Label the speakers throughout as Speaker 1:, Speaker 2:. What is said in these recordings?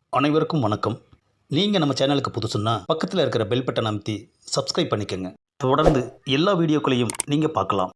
Speaker 1: அனைவருக்கும் வணக்கம். நீங்கள் நம்ம சேனலுக்கு புதுசுன்னா பக்கத்தில் இருக்கிற பெல் பட்டன் அமைத்தி சப்ஸ்கிரைப் பண்ணிக்கோங்க. தொடர்ந்து எல்லா வீடியோக்களையும் நீங்கள் பார்க்கலாம்.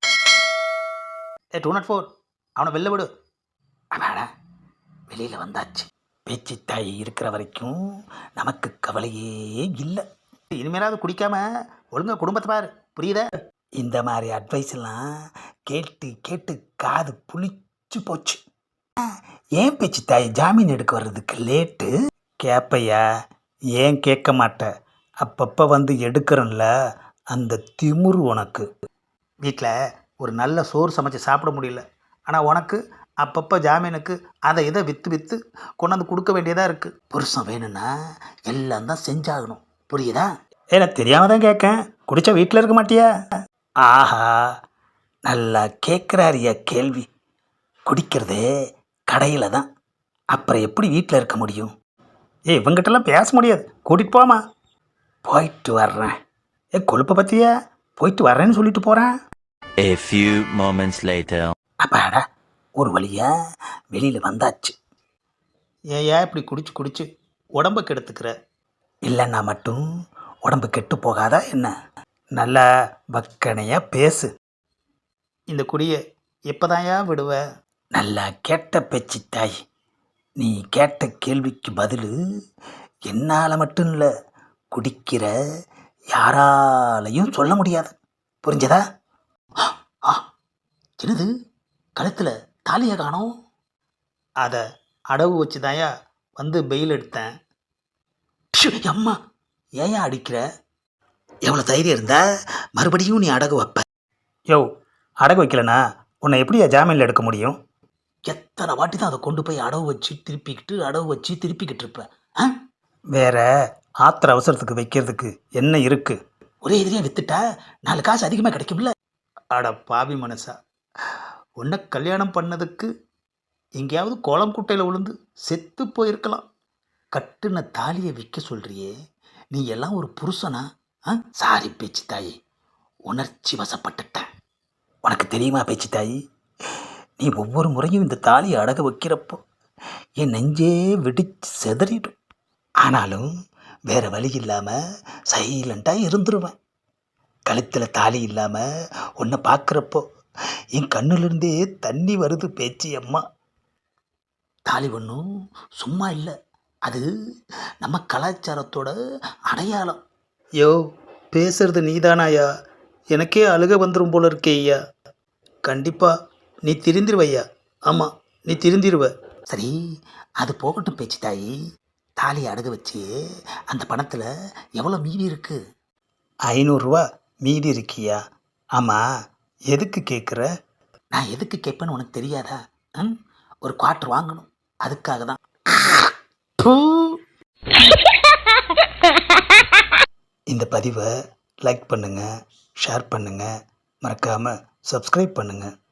Speaker 1: 204 அவனை வெளில விடு. அடாடா, வெளியில் வந்தாச்சு. பேச்சு தாய் இருக்கிற வரைக்கும் நமக்கு கவலையே இல்லை. இனிமேலாவது குடிக்காம ஒழுங்கா குடும்பத்தை பாரு, புரியுதா? இந்த மாதிரி அட்வைஸ் எல்லாம் கேட்டு கேட்டு காது புளிச்சு போச்சு. ஏன் பேச்சு தாய் ஜாமீன் எடுக்க வர்றதுக்கு லேட்டு? கேட்பையா, ஏன் கேட்க மாட்டேன்? அப்பப்போ வந்து எடுக்கிறேன்ல, அந்த திமிரு உனக்கு. வீட்டில் ஒரு நல்ல சோறு சமைச்சு சாப்பிட முடியல, ஆனால் உனக்கு அப்பப்போ ஜாமீனுக்கு அதை இதை விற்று விற்று கொண்டாந்து கொடுக்க வேண்டியதாக இருக்குது. புருஷன் வேணும்னா எல்லாம் தான் செஞ்சாகணும், புரியுதா? எனக்கு தெரியாமல் தான் கேட்கேன். குடித்தா வீட்டில் இருக்க மாட்டியா? ஆஹா, நல்லா கேட்குறாரியா கேள்வி. குடிக்கிறதே கடையில் தான், அப்புறம் எப்படி வீட்டில் இருக்க முடியும்? இவங்கிட்டலாம் பேச முடியாது, கூட்டிகிட்டு போமா. போயிட்டு வர்றேன். கொழுப்பை பற்றியா? போயிட்டு வர்றேன்னு சொல்லிட்டு போகிறேன்.
Speaker 2: A few moments later.
Speaker 1: அப்பாடா, ஒரு வழியா வெளியில் வந்தாச்சு. ஏன் இப்படி குடிச்சு குடிச்சு உடம்பை கெடுத்துக்கிற? இல்லைன்னா மட்டும் உடம்பு கெட்டு போகாதா என்ன? நல்லா வக்கனையாக பேசு. இந்த குடியை எப்போதாயா விடுவ? நல்லா கேட்ட பேச்சு தாய். நீ கேட்ட கேள்விக்கு பதில் என்னால் மட்டும் இல்லை, குடிக்கிற யாராலையும் சொல்ல முடியாது, புரிஞ்சதா? என்னது, கழுத்தில் தாலியை காணோம்? அதை அடவு வச்சு தாயா வந்து பெயில் எடுத்தேன். அம்மா, ஏன் அடிக்கிற? எவ்வளோ தைரியம் இருந்தா மறுபடியும் நீ அடகு வைப்ப? யோ, அடகு வைக்கலனா உன்னை எப்படியா ஜாமீனில் எடுக்க முடியும்? எத்தனை வாட்டி தான் அதை கொண்டு போய் அடவு வச்சு திருப்பிக்கிட்டு இருப்பேன். வேற ஆத்திர அவசரத்துக்கு வைக்கிறதுக்கு என்ன இருக்கு? ஒரே எதிரியாக வித்துட்டா 4 காசு அதிகமாக கிடைக்கும்ல. அட பாவி மனசா, உன்னை கல்யாணம் பண்ணதுக்கு எங்கேயாவது கோலம் குட்டையில் விழுந்து செத்து போயிருக்கலாம். கட்டுன தாலியை விற்க சொல்றியே, நீ எல்லாம் ஒரு புருஷனா? சாரி பேச்சு தாயி, உணர்ச்சி வசப்பட்டுட்டேன். உனக்கு தெரியுமா பேச்சு தாயி, நீ ஒவ்வொரு முறையும் இந்த தாலியை அடக வைக்கிறப்போ என் நெஞ்சே வெடிச்சு செதறிடும். ஆனாலும் வேறு வழி இல்லாமல் சைலண்ட்டாக இருந்துருவேன். கழுத்தில் தாலி இல்லாமல் உன்னை பார்க்குறப்போ என் கண்ணுலேருந்தே தண்ணி வருது பேச்சு அம்மா. தாலி ஒன்றும் சும்மா இல்லை, அது நம்ம கலாச்சாரத்தோட அடையாளம். யோ, பேசுறது நீதானாயா? எனக்கே அழுக வந்துடும் போல இருக்கே ஐயா. கண்டிப்பாக நீ திருந்திருவையா. ஆமாம், நீ திருந்திருவ. சரி, அது போகட்டும் பேச்சு தாயி. தாலியை அடகு வச்சு அந்த பணத்தில் எவ்வளோ மீதி இருக்குது? 500 ரூபா மீதி இருக்கியா? ஆமாம், எதுக்கு கேட்குற? நான் எதுக்கு கேட்பேன்னு உனக்கு தெரியாதா? ஒரு குவார்ட்டர் வாங்கணும், அதுக்காக தான். இந்த பதிவை லைக் பண்ணுங்கள், ஷேர் பண்ணுங்கள், மறக்காமல் சப்ஸ்கிரைப் பண்ணுங்கள்.